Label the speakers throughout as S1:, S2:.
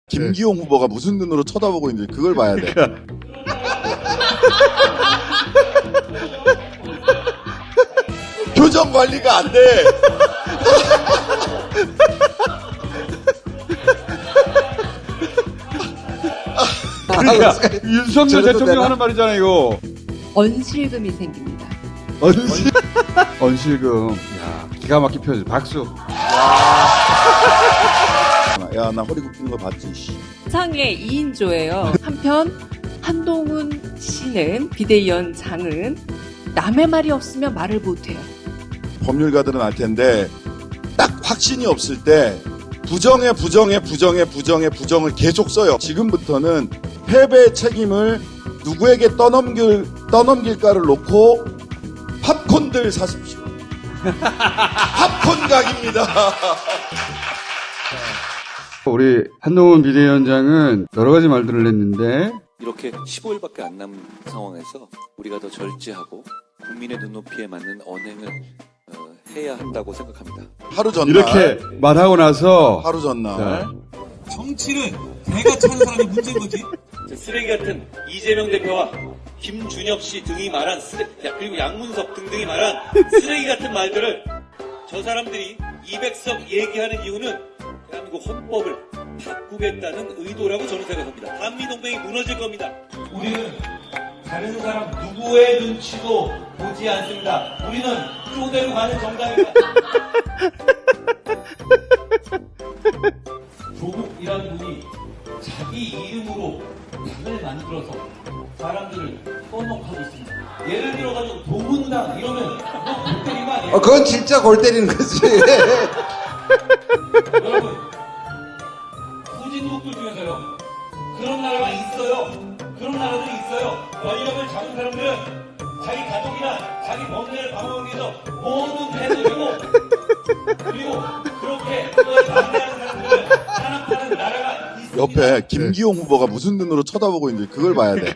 S1: 김기용 후보가 무슨 눈으로 쳐다보고 있는지 그걸 봐야 돼. 표정 관리가 안 돼.
S2: 그러니까 윤석열 대통령 하는 말이잖아요, 이거.
S3: 언실금이 생깁니다.
S2: 언실금. 야, 기가 막힌 표현. 박수.
S1: 야, 나 허리 굽히는 거 봤지, 씨.
S3: 상의 2인조예요. 한편 한동훈 씨는 비대위원장은 남의 말이 없으면 말을 못해요.
S1: 법률가들은 알 텐데 딱 확신이 없을 때 부정에 부정을 계속 써요. 지금부터는 패배의 책임을 누구에게 떠넘길까를 놓고 팝콘들 사십시오. 팝콘 각입니다.
S2: 우리 한동훈 비대위원장은 여러 가지 말들을 했는데
S4: 이렇게 15일밖에 안 남은 상황에서 우리가 더 절제하고 국민의 눈높이에 맞는 언행을 해야 한다고 생각합니다.
S1: 하루 전날
S2: 이렇게 말하고 나서
S1: 하루 전날
S5: 정치는 내가 차는 사람이 문제인 거지.
S4: 쓰레기 같은 이재명 대표와 김준엽 씨 등이 말한 그리고 양문석 등등이 말한 쓰레기 같은 말들을 저 사람들이 200석 얘기하는 이유는 대한민국 헌법을 바꾸겠다는 의도라고 저는 생각합니다. 한미동맹이 무너질 겁니다.
S5: 우리는 다른 사람 누구의 눈치도 보지 않습니다. 우리는 쪼대로 가는 정당입니다. 조국이라는 분이 자기 이름으로 당을 만들어서 사람들을 떠넘하고 있습니다. 예를 들어가지고 도문당 이러면 너골 때리는 거 아니에요?
S6: 그건 진짜 골 때리는 거지.
S5: 여러분, 후진국들 중에서요, 그런 나라가 있어요. 그런 나라들이 있어요. 권력을 잡은 사람들은 자기 가족이나 자기 범죄를 방어하기 위해서 뭐든 해도 되고, 그리고 그렇게 그걸 반대하는 사람들은 탄압하는 나라가 있습니다.
S1: 옆에 김기용 후보가 무슨 눈으로 쳐다보고 있는지 그걸 봐야 돼.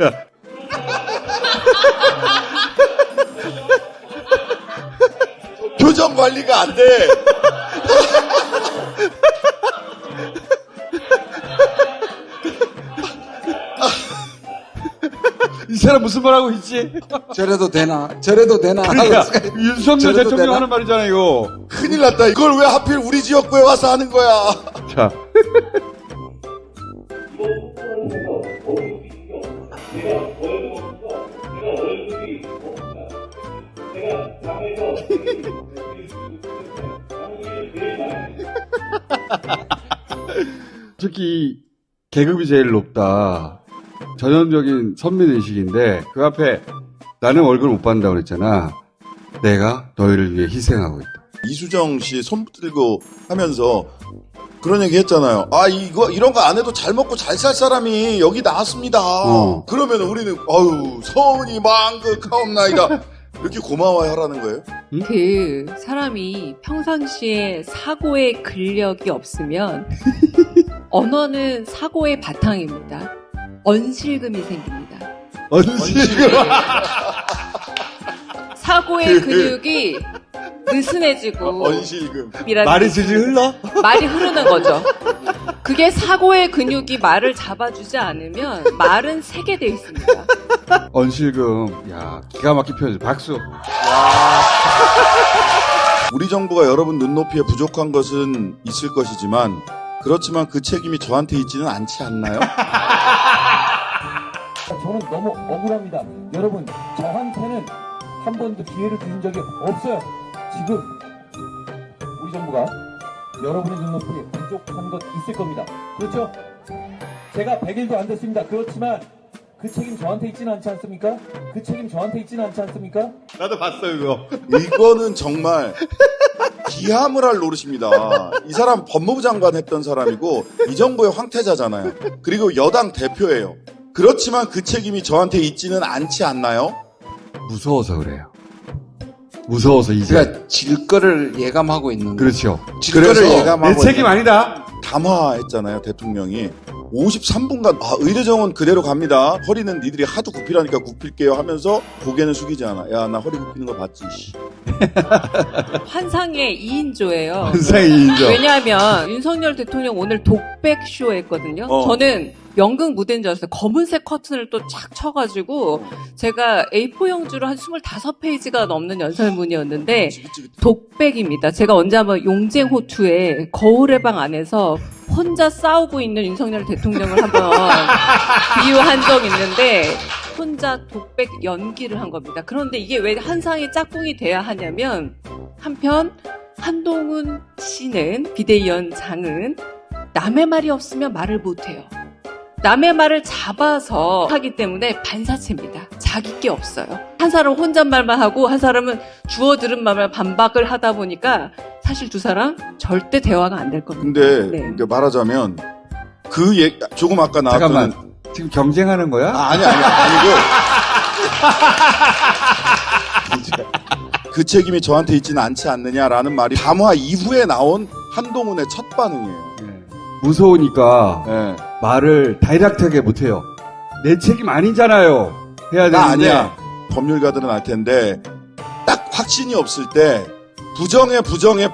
S1: 표정 관리가 안 돼.
S2: 이 사람 무슨 말하고 있지?
S6: 저래도 되나? 저래도 되나?
S2: 그러니까 윤석열
S6: 저래도
S2: 대통령
S6: 되나?
S2: 하는 말이잖아요, 이거.
S1: 큰일 났다. 이걸 왜 하필 우리 지역구에 와서 하는 거야.
S2: 자. 특히 계급이 제일 높다. 전형적인 선민의식인데 그 앞에 나는 월급 못 받는다고 그랬잖아. 내가 너희를 위해 희생하고 있다.
S1: 이수정 씨 손 들고 하면서 그런 얘기 했잖아요. 아, 이런 거 안 해도 잘 먹고 잘 살 사람이 여기 나왔습니다. 그러면 우리는, 서운이 망극하옵나이다. 이렇게 고마워야 하라는 거예요?
S3: 그 사람이 평상시에 사고의 근력이 없으면 언어는 사고의 바탕입니다. 언실금이 생깁니다.
S2: 언실금.
S3: 사고의 근육이 느슨해지고
S1: 언실금.
S2: 말이 질질 흘러?
S3: 말이 흐르는 거죠. 그게 사고의 근육이 말을 잡아주지 않으면 말은 새게 돼 있습니다.
S2: 언실금. 야, 기가 막힌 표현. 박수.
S1: 우리 정부가 여러분 눈높이에 부족한 것은 있을 것이지만 그렇지만 그 책임이 저한테 있지는 않지 않나요?
S5: 저는 너무 억울합니다. 여러분, 저한테는 한 번도 기회를 주신 적이 없어요. 지금 우리 정부가 여러분의 눈높이에 부족한 것 있을 겁니다. 그렇죠? 제가 100일도 안 됐습니다. 그렇지만 그 책임 저한테 있지는 않지 않습니까? 그 책임 저한테 있지는 않지 않습니까?
S2: 나도 봤어, 이거.
S1: 이거는 정말 기함을 할 노릇입니다. 이 사람 법무부 장관 했던 사람이고 이 정부의 황태자잖아요. 그리고 여당 대표예요. 그렇지만 그 책임이 저한테 있지는 않지 않나요?
S2: 무서워서 그래요. 무서워서 이제.
S6: 그러니까 질 거를 예감하고 있는 거.
S2: 그렇죠.
S6: 질 거를
S1: 그래서
S6: 예감하고
S2: 내 책임
S6: 있는
S2: 아니다.
S1: 담화했잖아요, 대통령이. 53분간 의대정원 그대로 갑니다. 허리는 니들이 하도 굽히라니까 굽힐게요 하면서 고개는 숙이지 않아. 야, 나 허리 굽히는 거 봤지. 씨.
S3: 환상의 2인조예요.
S2: 환상의 2인조.
S3: 왜냐하면 윤석열 대통령 오늘 독백쇼 했거든요. 저는 연극 무대인 줄 알았어요. 검은색 커튼을 또 착 쳐가지고 제가 A4 용지로 한 25페이지가 넘는 연설문이었는데 독백입니다. 제가 언제 한번 용쟁호투에 거울의 방 안에서 혼자 싸우고 있는 윤석열 대통령을 한번 비유한 적 있는데 혼자 독백 연기를 한 겁니다. 그런데 이게 왜 한상의 짝꿍이 돼야 하냐면 한편 한동훈 씨는 비대위원장은 남의 말이 없으면 말을 못해요. 남의 말을 잡아서 하기 때문에 반사체입니다. 자기 게 없어요. 한 사람은 혼잣말만 하고 한 사람은 주워 들은 말만 반박을 하다 보니까 사실 두 사람 절대 대화가 안 될 겁니다.
S1: 근데
S3: 네.
S1: 그러니까 말하자면 조금 아까 나왔던
S2: 잠깐만. 지금 경쟁하는 거야?
S1: 아니고 그 책임이 저한테 있지는 않지 않느냐라는 말이 담화 이후에 나온 한동훈의 첫 반응이에요.
S2: 무서우니까
S1: 네.
S2: 말을 다이렉트하게 못해요. 내 책임 아니잖아요. 해야 되는데.
S1: 나 아니야. 법률가들은 알 텐데 딱 확신이 없을 때 부정을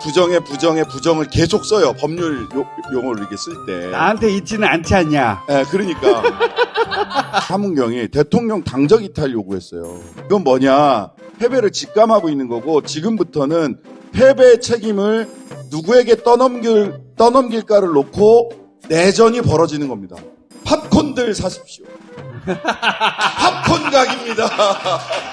S1: 계속 써요. 법률 용어를 이렇게 쓸 때.
S2: 나한테 있지는 않지 않냐.
S1: 네, 그러니까 하문경이 대통령 당적 이탈 요구했어요. 이건 뭐냐? 패배를 직감하고 있는 거고 지금부터는 패배의 책임을 누구에게 떠넘길까를 놓고 내전이 벌어지는 겁니다. 팝콘들 사십시오. 팝콘 각입니다.